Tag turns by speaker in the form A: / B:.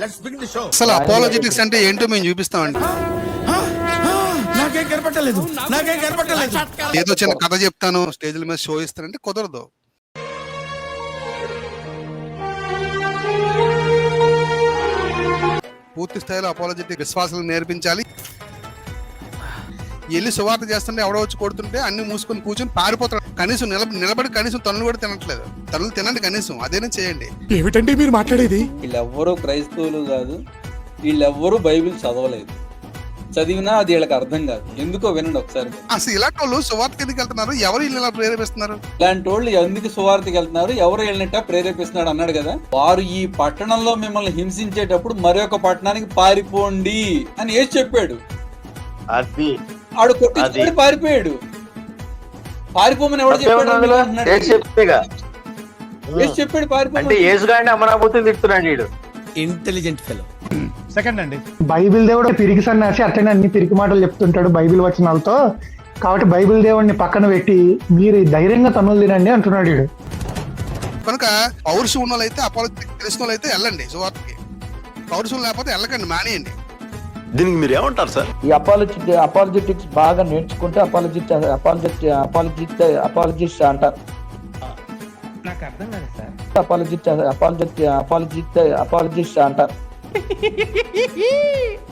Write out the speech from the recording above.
A: Let's begin the show.
B: అసలు apologetics అంటే ఏంటో మేము చూపిస్తామండి.
A: నాకేం కనపట్టలేదు.
B: ఏదో చిన్న కథ చెప్తాను, స్టేజ్ల మీద షో ఇస్తానంటే కుదరదు. పూర్తి స్థాయిలో అపాలజెటిక్ విశ్వాసాలు నేర్పించాలి. వెళ్ళి సువార్త చేస్తుంటే ఎవడో వచ్చి కొడుతుంటే అన్ని మూసుకొని కూర్చొని పారిపోతాడు. కనీసం నిలబడి కనీసం తనులు కూడా తినట్లేదు. తనులు తినండి కనీసం, అదేనా చేయండి.
C: ఏమిటండి మీరు మాట్లాడేది?
D: వీళ్ళెవ్వరూ క్రైస్తవులు కాదు, వీళ్ళెవ్వరూ బైబిల్ చదవలేదు. చదివినా అది వీళ్ళకి అర్థం కాదు. ఎందుకో వినండి ఒకసారి.
B: అసలు ఇలాంటి వాళ్ళు సువార్తకి ఎందుకు వెళ్తున్నారు? ఎవరు వీళ్ళు ఇలా ప్రేరేపిస్తున్నారు?
D: ఇలాంటి వాళ్ళు ఎందుకు సువార్తకి వెళ్తున్నారు, ఎవరు వెళ్ళినట్ట ప్రేరేపిస్తున్నాడు అన్నాడు కదా. వారు ఈ పట్టణంలో మిమ్మల్ని హింసించేటప్పుడు మరొక పట్టణానికి పారిపోండి అని ఏసు చెప్పాడు. ఆడు కొట్టి పారిపోయాడు. పారిపోమని ఎవడు చెప్పాడు? ఏసు చెప్పాడు పారిపోమని.
E: అమరాబోతుని తిడుతున్నాడు వీడు.
A: Intelligent fellow.
C: సెకండ్ అండి,
F: బైబిల్ దేవుడు పిరికి సన్నాసి అట్లనే అన్ని పిరికి మాటలు చెప్తుంటాడు బైబిల్ వచనాలతో. కాబట్టి బైబిల్ దేవుడిని పక్కన పెట్టి మీరు ధైర్యంగా తనులు తినండి అంటున్నాడు వీడు.
B: కనుక పౌరుషం ఉన్న వాళ్ళైతే, అపాలజెటిక్ తెలిసిన వాళ్ళైతే వెళ్ళండి సువార్తకి. పౌరుషం లేకపోతే వెళ్ళకండి, మానేయండి.
E: దీనికి మీరు ఏమంటారు సార్?
G: ఈ అపాలజెటిక్స్ బాగా నేర్చుకుంటే అపాలజిస్ట్ అంటారు.
C: నాకు అర్థం కాదు సార్.
G: అపాలజిస్ట్ అంటారు.